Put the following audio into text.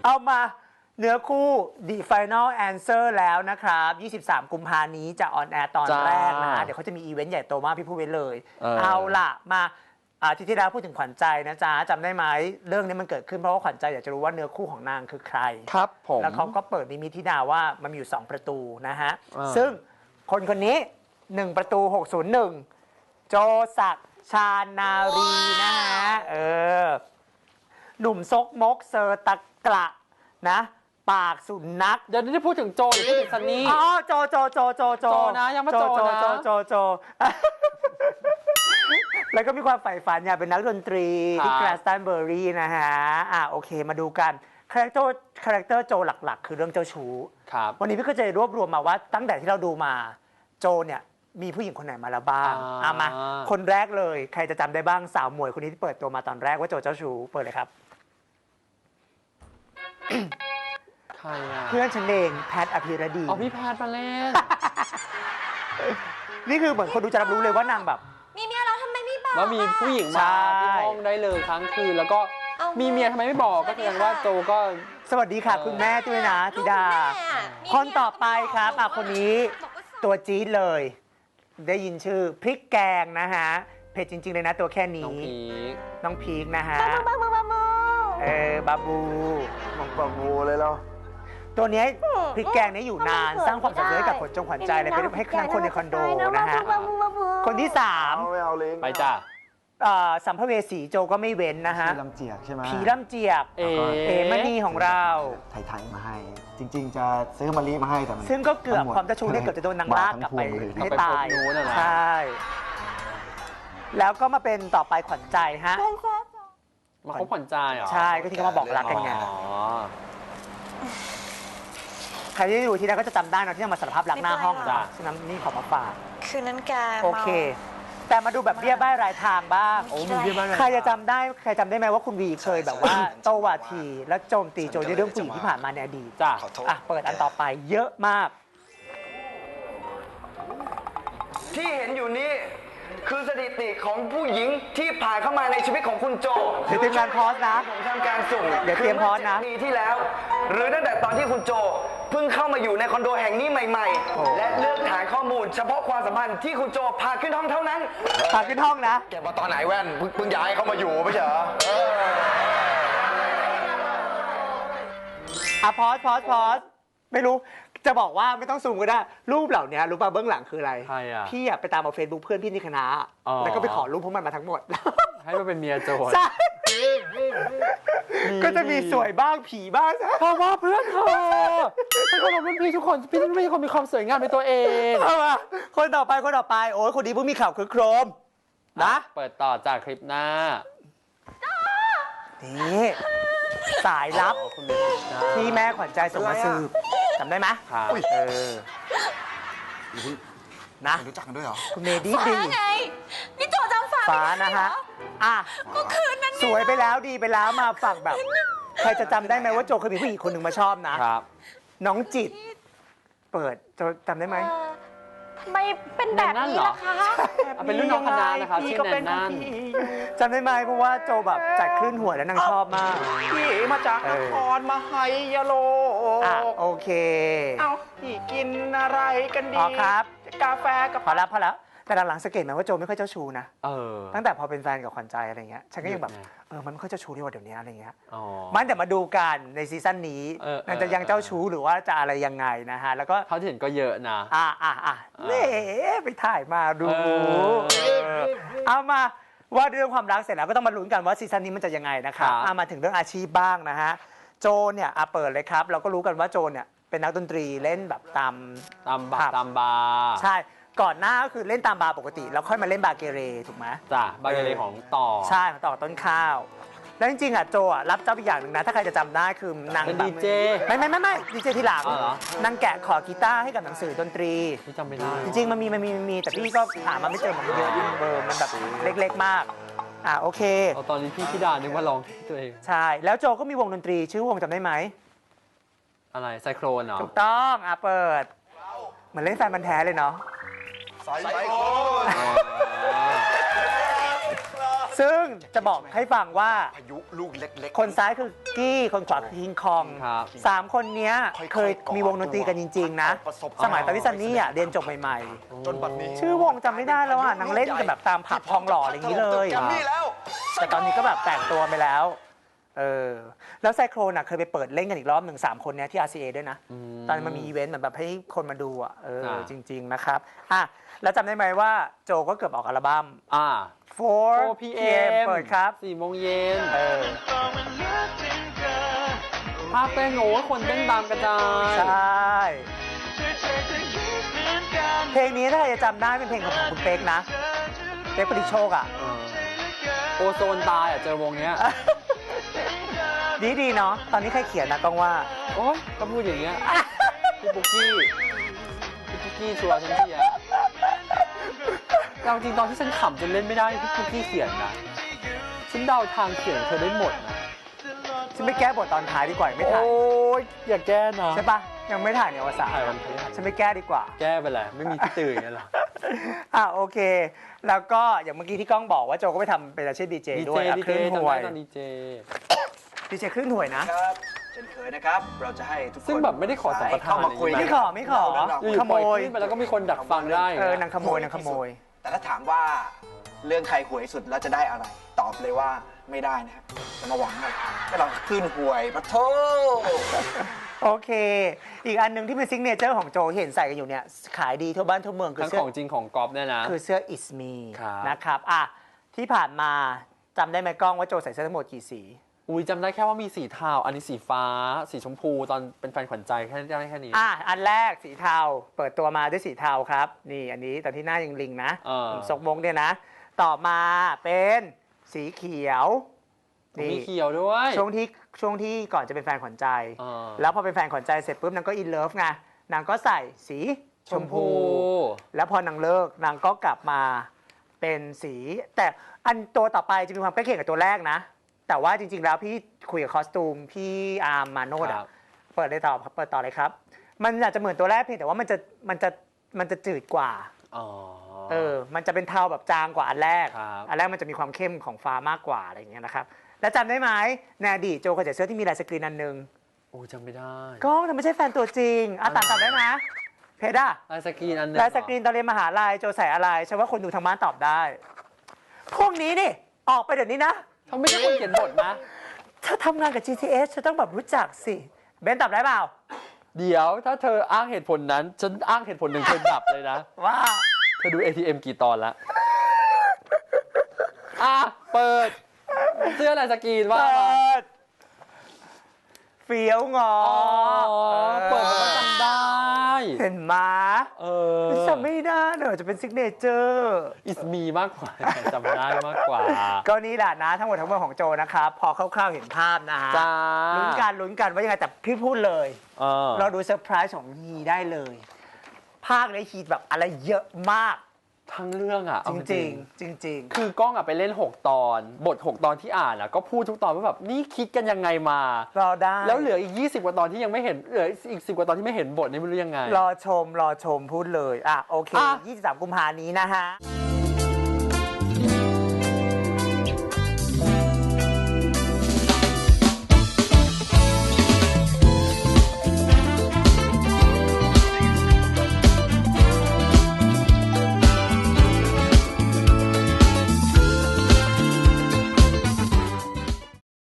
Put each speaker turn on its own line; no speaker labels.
เอามาเนื้อคู่ The Final Answer แล้วนะครับ23 กุมภานี้จะออนแอร์ตอนแรกนะฮะเดี๋ยวเขาจะมีอีเวนต์ใหญ่โตมากพี่พูดไว้เลยเอาล่ะมาที่แล้วพูดถึงขวัญใจนะจ๊ะจำได้ไหมเรื่องนี้มันเกิดขึ้นเพราะว่าขวัญใจอยากจะรู้ว่าเนื้อคู่ของนางคือใคร
ครับผม
แล้วเขาก็เปิดนิมิตธิดาว่ามันมีอยู่2ประตูนะฮะซึ่งคนนี้1ประตู601โจศักดิ์ชานารีนะฮะหนุ่มซกมกเซอร์ตะกระนะปากสุนัข
เดี๋ยวนี้จะพูดถึงโจหรือพูดถึงซันนี่
อ๋อโจ
นะยังไม่โจนะ
โจแล้วก็มีความใฝ่ฝันอยากเป็นนักดนตรีที่แกลสตันเบอร์รี่นะฮะโอเคมาดูกันคาแรคเตอร์โจหลักๆคือเรื่องเจ้าชู้วันนี้พี่ก็จะรวบรวมมาว่าตั้งแต่ที่เราดูมาโจเนี่ยมีผู้หญิงคนไหนมาแล้วบ้างมาคนแรกเลยใครจะจำได้บ้างสาวหมวยคนนี้ที่เปิดตัวมาตอนแรกว่าโจเจ้าชู้เปิดเลยครับ
ใครอ่ะ
เพื่อนฉันเองแพทอภิรดี
อ๋อพี่แพทมาเล่น
นี่คือเหมือนคนดูจะรับรู้เลยว่านางแบบ
มีเมียแล้วทำไมไม่บอก
แล้วมีผู้หญิงมาที่ห้องได้เลยครั้งคืนแล้วก็มีเมียทำไมไม่บอกก็แสดงว่าโจก็
สวัสดีค่ะคุณแม่ด้วยนะธิดาคนต่อไปครับคนนี้ตัวจี๊ดเลยได้ยินชื่อพริกแกงนะฮะเผ็ดจริงๆเลยนะตัวแค่นี้น้องพีกนะฮะบาบู
บาบูเลยแล้ว
ตัวนี้พริกแกงนี้อยู่นานสร้างความสำเร็จให้กับคนจงขวัญใจเลยไปให้ทั้งคนในคอนโดนะฮะคนที่3
ไป
จ้า
สัมภเวสีโจก็ไม่เว้นนะฮะ
ผีลำเจียกใช่ไหม
ผีลำเจียกมณีของเรา
ไทยมาให้จริงๆจะซื้อมะลิมาให้แต่
ซึ่งก็เกือบความเจ้าชู้เนี่ยเกือบจะโดนนางลากกลับไปให้ตายใช่แล้วก็มาเป็นต่อไปขวัญใจฮะ
มาคบขวัญใจเหรอ
ใช่ก็ที่เขามาบอกรักกันไงใครที่ดูที่นั่นก็จะจำได้นะที่มาสารภาพรักหน้าห้องฉะนั้นนี่ขอมาฝาก
คืนนั้นแก
โอเคแต่มาดูแบบเบี้ยบ้ายรายทางบ้างใครจะจำได้ไหมว่าคุณวีเคยแบบว่าโตวาทีและโจมตีโจในเรื่องผู้หญิงที่ผ่านมาในอดีต
จ้ะ
เปิดอันต่อไปเยอะมาก
ที่เห็นอยู่นี้คือสถิติของผู้หญิงที่ผ่านเข้ามาในชีวิตของคุณโจ
เดี๋ยวเตรียมการพอสนะ
ผมทำการสุ่ม
เดี๋ยวเตรียมพอสนะ
ปีที่แล้วหรือตั้งแต่ตอนที่คุณโจเพิ่งเข้ามาอยู่ในคอนโดแห่งนี้ใหม่ๆและเลือกฐานข้อมูลเฉพาะความสัมพันธ์ที่คุณโจพาขึ้นห้องเท่านั้น
พาขึ้นห้องนะ
แกมาตอนไหนแว่นเพิ่งย้ายเข้ามาอยู่ไม่ใช่เหรอ
พอสไม่รู้จะบอกว่าไม่ต้องซูมก็ได้รูปเหล่านี้รู้ป่ะเบื้องหลังคืออะไรพี่ไปตามเอาเฟซบุ๊กเพื่อนพี่ในคณะแล้วก็ไปขอรูปพวกมันมาทั้งหมด
ให้มันเป็นเมียโจ
ใช่ก็จะมีสวยบ้างผีบ้าง
เพราะว่าเพื่อนเธอฉันก็บอกเพื่อนพี่ทุกคนพี่ไม่ใช่คนมีความสวยงามในตัวเอง
คนต่อไปโอ้ยคนนี้เพิ่งมีข่าวคือโครมนะ
เปิดต่อจากคลิปหน้า
นี่สายลับที่แม่ขวัญใจส่งมาสืบจำได้ไหมนะ
รู้จักกันด้วยเหรอ
คุณเมดี้
ดีไงนี่โจจำ
ฟ้านะฮะ
ก็คืนนั้น
สวยไปแล้วดีไปแล้วมาฝั่งแบบใครจะจำได้ไหมว่าโจเคยมีผู้หญิงคนหนึ่งมาชอบนะครับน้องจิตเปิดโจจำได้ไหม
ทำไมเป็นแบบนี้ล่ะคะ
เป็นรุ่นน้องคณะนะครับชื่อแนนนั่น
จำได้ไหมเพราะว่าโจแบบจัดคลื่นหัวแล้วนางชอบมาก
พี่มาจากนครมาไฮยาโล
โอเค
พี่กินอะไรกันดี
ครับ
กาแฟกับ
พอแล้วแต่หลังๆสังเกตไหมว่าโจไม่ค่อยเจ้าชู้นะตั้งแต่พอเป็นแฟนกับขวัญใจอะไรเงี้ยฉันก็ยังแบบมันไม่ค่อยเจ้าชู้ที่ว่าเดี๋ยวนี้อะไรเงี้ยมันแต่มาดูกันในซีซั่นนี้มันจะยังเจ้าชู้หรือว่าจะอะไรยังไงนะฮะแล้วก็
เขาเห็นก็เยอะนะ
ไปถ่ายมาดูเอามาว่าเรื่องความรักเสร็จแล้วก็ต้องมาลุ้นกันว่าซีซั่นนี้มันจะยังไงนะครับมาถึงเรื่องอาชีพบ้างนะฮะโจเนี่ยเปิดเลยครับเราก็รู้กันว่าโจเนี่ยเป็นนักดนตรีเล่นแบบตาม
บาร์
ใช่ก่อนหน้าก็คือเล่นตามบาร์ปกติแล้วค่อยมาเล่นบาเกเรถูกไหม
จ้ะบาเกเรของต่อ
ใช่ของต่อต้นข้าวแล้วจริงๆโจรับจ็อบอีกอย่างหนึ่งนะถ้าใครจะจำได้คือนาง
ดีเจ
ไม่ดีเจทีหลังนางแกะขอกีตาร์ให้กับหนังสือดนตรี
ที่จำไม่ได้
จริงๆมันมีแต่พี่ก็หามาไม่เจอมันเยอะเบอร์มันแบบเล็กๆมากโอเค
ตอนนี้พี่ธิดานึกว่าร้องตัวเอง
ใช่แล้วโจก็มีวงดนตรีชื่อวงจำได้ไหม
อะไรไซโครนเหรอ
ถูกต้องเปิดเหมือนเล่นแฟนมันแท้เลยเนาะซึ่งจะบอกให้ฟังว่า
พายุลูกเล็ก
คนซ้ายคือกี้คนขวาคือคิงคอง
ครับ
3 คนเนี้ย
ค่อยๆ
เคยมีวงดนตรีกันจริง ๆ นะ
ประสบ
สมัยตอนที่ซันนี่เรียนจบใหม่
ๆจนบัดนี้
ๆ ชื่อวงจำไม่ได้แล้วนางเล่นกันแบบตามผับทองหล่ออะไรอย่างนี้เลย
แกรมมี่แล้ว
แต่ตอนนี้ก็แบบแต่งตัวไปแล้วแล้วไซโครนเคยไปเปิดเล่นกันอีกรอบหนึ่ง3 คนเนี้ยที่ RCA ด้วยนะ ตอนนนมันมีอีเวนต์เหมือนแบบให้คนมาดูจริง ๆ นะครับแล้วจำได้ไหมว่าโจก็เกือบออกอัลบั้ม 4 PM เปิดครับ
4 โมงเย็นภาพเต้นโอ้คนเต้นตามกระจาย
ใช่ เพลงนี้ถ้าใครจะจำได้เป็นเพลงของคุณเป๊กนะ เป๊กปริโชค
โอโซนตายเจอวงเนี้ย
ดีเนาะตอนนี้ใครเขียนนะต้องว่า
โอ๊ยก็พูดอย่างเงี้ยพี่ปุ๊กกี้ชัวร์ฉันเชียร์จริงตอนที่ฉันขำจนเล่นไม่ได้พี่ปุ๊กกี้เขียนนะฉันเดาทางเขียนเธอได้หมดนะ
ฉันไม่แก้บทตอนท้ายดีกว่าไม่ถ่าย
โอ้ยอย่าแก้นะ
ใช่ปะยังไม่ถ่ายในวสาน
ถ่ายวันพฤหัส
ฉันไม่แก้ดีกว่า
แก้ไปแหละไม่มีที่ตื่นกันหรอ
โอเค แล้วก็อย่างเมื่อกี้ที่ก้องบอกว่าโจก็ไปทำเป็นอาชีพดีเจด้วยคลื่นห่วย
ดีเจ
ดีเจคลื่นห่วยนะ
ครับเช่นเคยนะครับ เราจะให้ทุกคน
ซึ่งแบบไม่ได้ขอสัมปทาน
เข้ามาคุย
ไม่ขอ
อยู่
ข
ๆ
โม
ปล่อย
ย
ขึ้นไปแล้วก็มีคนดักฟังได้
นางขโมย
แต่ถ้าถามว่าเรื่องใครหวยสุดแล้วจะได้อะไร ตอบเลยว่าไม่ได้นะครับจะมาหวังอะไรก็เราคลื่นหวยปะโถ
โอเค อีกอันหนึงที่เป็นซิกเนเจอร์ของโจเห็นใส่กันอยู่เนี่ย ขายดีทั่วบ้านทั่วเมืองคือ
ทั้ง
เสื้
ข
อ
องจริงของก๊อฟเนี่ยนะ
คือเสื้อ It's Me
ครับ
นะครับที่ผ่านมาจำได้ไหมกล้องว่าโจใส่เสื้อทั้งหมดกี่สี
อุ้ยจำได้แค่ว่ามีสีเทาอันนี้สีฟ้า สีชมพูตอนเป็นแฟนขวัญใจแค่นี้
อันแรกสีเทาเปิดตัวมาด้วยสีเทาครับ นี่อันนี้ตอนที่หน้ายังลิงนะซกมกเนี่ยนะ ต่อมาเป็นสีเขียว
มีเขียวด้วย
ช่วงที่ก่อนจะเป็นแฟนขวัญใจ
ว
แล้วพอเป็นแฟนขวัญใจเสร็จปุ๊บนางก็อินเลิฟไงนางก็ใส่สีชมพู แล้วพอนางเลิกนางก็กลับมาเป็นสี แต่อันตัวต่อไปจะมีความใกล้เคียงกับตัวแรกนะ แต่ว่าจริงๆแล้วพี่คุยกับคอสตูมพี่อาร์มมาโนดเปิดต่อเลยครับ มันอาจจะเหมือนตัวแรกเพียงแต่ว่ามันจะจืดกว่ามันจะเป็นเทาแบบจางกว่าอันแรกมันจะมีความเข้มของฟ้ามากกว่าอะไรอย่างเงี้ยนะครับแล้วจำได้ไหมในอดีตโจเคยใส่เสื้อที่มีลายสกรีนอันหนึง
โอ้จำไม่ได้
ก็แต่ไม่ใช่แฟนตัวจริงตอบได้นะเพดา
ลายสกรีนอันนึง
ลายสกรีนตอนเรียนมหาลัยโจใส่อะไรฉันว่าคนดูทางบ้านตอบได้พวกนี้นี่ออกไปเดี๋ยวนี้นะ
เขาไม่ใช่คนเขียนบทนะ
ถ้าทำงานกับ GTS ฉันต้องแบบรู้จักสิเบนตอบได้เปล่า
เดี๋ยวถ้าเธออ้างเหตุผลนั้นฉันอ้างเหตุผลหนึ่งเธอดับเลยนะ
ว่า
เธอดู ATM กี่ตอนแล้วเปิดเสื้อลายสกรีนว่ามา
เฟี้ยวงอ
เปิดมาจำได้
เห็นมาจำไม่ได้เนอะจะเป็นซิกเนเจอร์
It's me มากกว่าจำได้มากกว่า
ก็นี่แหละนะทั้งหมดทั้งมวลของโจนะครับพอคร่าวๆเห็นภาพนะฮะ
จ้า
ลุ้นกันว่ายังไงแต่พี่พูดเลยเราดูเซอร์ไพรส์ของฮีได้เลย ภาคในฮีแบบอะไรเยอะมาก
ทั้งเรื่อง
จริง
คือกล้องไปเล่น6 ตอนบท6 ตอนที่อ่านก็พูดทุกตอนว่าแบบนี่คิดกันยังไงมาร
อได้
แล้วเหลืออีก20 กว่าตอนที่ยังไม่เห็นเหลืออีก10 กว่าตอนที่ไม่เห็นบทนี่ไม่รู้ยังไง
รอชมพูดเลยโอเค23 กุมภาพันธ์นี้นะฮะ